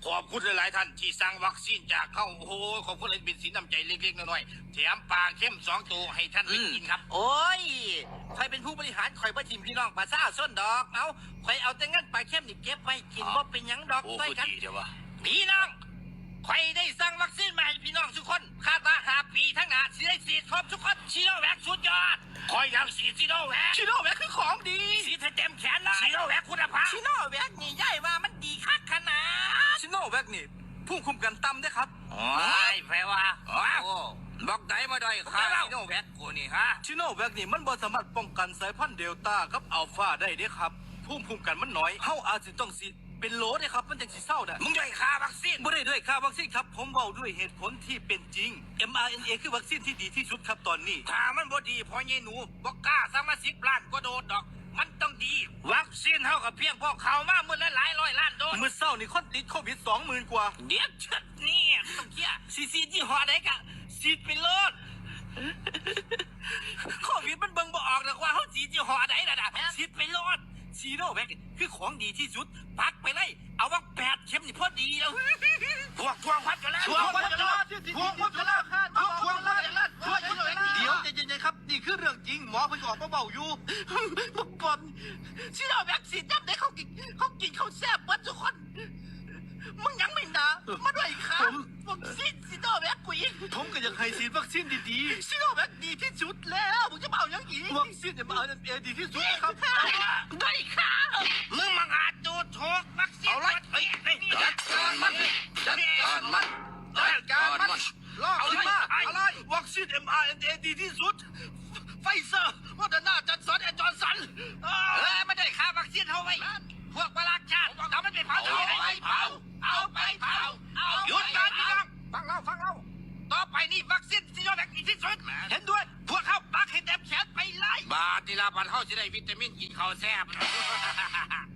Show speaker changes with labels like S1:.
S1: ขอบคุณหลายๆท่านที่สั่งวัคซีนจากเขาโอ้โหขอบคุณเลยเป็นสินน้ำใจเล็กๆน้อยๆแถมปลาเข้ม2 ตัวให้ท่านได้กินครับโอ้ยใครเป็นผู้บริหารคอยประทิมพี่น้องปลาซ่าส้นดอกเอาคอยเอาแต่งั้นปลาเข้มนี่เก็บไว้กินว่าเป็นยังดอกด้วยกันพี่น้องใครได้สั่งวัคซีนมาให้พี่น้องทุกคนคาดว่า5 ปีทั้งหน้าสิได้ฉีดครบทุกคนชิโนแวคสุดยอดคอยยังฉีดชิโนแวคคือของดีฉีดให้เต็มแขนเลยชิโนแวคคุณภาพชิโนแวคนี่ย่ายว่ามันดีคักขนาด
S2: ชิโนแวคนี่ภูมิคุ้มกันต่ำได้ครับ
S1: โอ้ยแปลว่าบอกไหนมาได้ค่ะชิโนแวคกูนี่ฮะ
S2: ชิโนแวคนี่มันบ่สามารถป้องกันสายพันธุ์เดลต้ากับอัลฟาได้เด้ครับภูมิคุ้มกันมันน้อยเฮาอาจจะต้องฉีดเป็นโหลได้ครับมันจังสิเศร้าได้
S1: มึงด้วยค่าวัคซีน
S2: บ่ได้ด้วยค่าวัคซีนครับผมเว้าด้วยเหตุผลที่เป็นจริง mRNA คือวัคซีนที่ดีที่สุดครับตอนนี้
S1: ถ้ามันบ่ดีพอเยหนูบอกกล้าสมาชิกล้านก็โดดดอกมันต้องดีวัคซีนเท่ากับเพียงพอเขามาเมื่อหลายร้อยล้านโดส
S2: เมื่อเศร้านี่คนติดโควิด 20,000 กว่า
S1: เดี๋ยวชัดนี่ต้องเกี้ยซีที่หอได้กะฉีดไปโลดโควิดมันเบิ่งบ่ออกหรอกว่าเขาฉีดยี่ห้อใดน่ะฉีดไปโลดซีโนแวคคือของดีที่สุดปักไปเลยเอาว่า8 เข็มนี่พอดีแล้วทวงพัดกันแล้ว
S2: ทวงพัดกันแล้วเดี๋ยวใจเย็นๆครับนี่คือเรื่องจริงหมอเพิ่งออกมาเบาอยู่
S1: บอลซีโนแวคฉีดยับได้เขากินเขาแซ่บวัดทุกคนมึงยังไม่หนามาด้วยครับผมซีโนแวคกูอีก
S2: ผมก็อยากให้ฉีดวัคซีนดี
S1: ๆซีโนแวคดีที่สุดแล้วมึงจะเอาอย่างอีก
S2: วัคซีนmRNAดีที่สุดนะครับ
S1: ได้ค่ะมึงมังอาจดูถูกวัคซีนเอาเลยจัดการมัน
S2: ลอกขึ้นมาอะไรวัคซีน mRNA ดีที่สุด
S1: ไฟเซอร์โมเดอร์นาจอร์นสันจอร์นสันไม่ได้ค่าวัคซีนเท่าไหร่พวกประหลาดชาติเอามันไปเผาหยุดการพี่น้องฟังเราต่อไปนี่วัคซีนซีโนแวคดีที่สุดเห็นด้วยพวกเขาปักให้เต็มแขนไปเลยบาทนี่ละบาทเขาจะได้วิตามินกินข้าวแซ่บ